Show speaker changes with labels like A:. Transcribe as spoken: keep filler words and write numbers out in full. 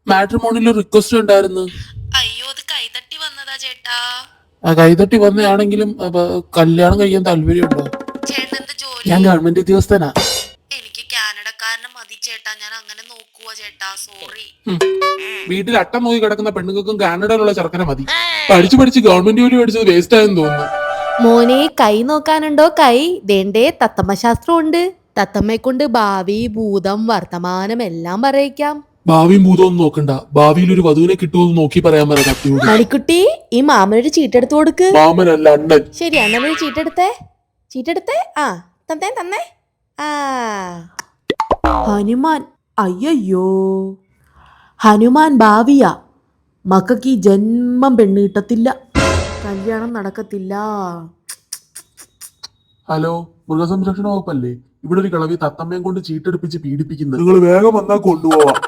A: മാട്രിമോണിയിൽ request ഉണ്ടായിരുന്നു.
B: അയ്യോ അത് കൈതട്ടി വന്നതാ ചേട്ടാ.
A: ആ കൈതട്ടി വന്നയാണെങ്കിലും അപ്പൊ കല്യാണം കഴിക്കാൻ താല്പര്യമുണ്ടോ?
B: ചേട്ടൻ എന്ത് ജോലി?
A: ഞാൻ ഗവൺമെന്റ് ഉദ്യോഗസ്ഥനാ.
B: എനിക്ക് കാനഡക്കാരനെ മതി ചേട്ടാ, ഞാൻ അങ്ങനെ നോക്കുവാ ചേട്ടാ, സോറി.
A: വീട്ടിൽ അട്ടം നോക്കി കിടക്കുന്ന പെണ്ണുങ്ങൾക്കും കാനഡയിലുള്ള ചെറുക്കനെ മതി. പഠിച്ചു പഠിച്ച് ഗവൺമെന്റ് ജോലി പഠിച്ചത് വേസ്റ്റ് ആയെന്ന് തോന്നുന്നു.
C: മോനെ കൈ നോക്കാനുണ്ടോ? കൈ വേണ്ടേ? തത്തമ്മ ശാസ്ത്രം ഉണ്ട്. തത്തമ്മയെ കൊണ്ട് ഭാവി, ഭൂതം, വർത്തമാനം എല്ലാം പറയിക്കാം.
A: ഭാവിയും ഭൂതമൊന്നും നോക്കണ്ട, ഭാവിയിൽ ഒരു വധുവിനെ കിട്ടുമെന്ന് നോക്കി പറയാൻ പറയാം കത്തിയോട്.
C: മണിക്കുട്ടി, ഈ മാമനൊരു ചീട്ടെടുത്ത് കൊടുക്ക്.
A: മാമനല്ല അണ്ണൻ.
C: ശരി, അണ്ണനൊരു ചീട്ടെടുത്തേ. ചീട്ടെടുത്തേ. ആ തന്നേ തന്നേ. ആ ഹനുമാൻ. അയ്യോ, ഹനുമാൻ ഭാവിയാ. മക്കൾക്ക് ഈ ജന്മം പെണ്ണ് കിട്ടത്തില്ല, കല്യാണം നടക്കത്തില്ല.
A: ഹലോ, മൃഗസംരക്ഷണ വകുപ്പല്ലേ? ഇവിടെ ഒരു കളവി തത്തമ്മയും കൊണ്ട് ചീട്ടെടുപ്പിച്ച് പീഡിപ്പിക്കുന്നത്. നിങ്ങൾ വേഗം വന്നാൽ കൊണ്ടുപോവാം.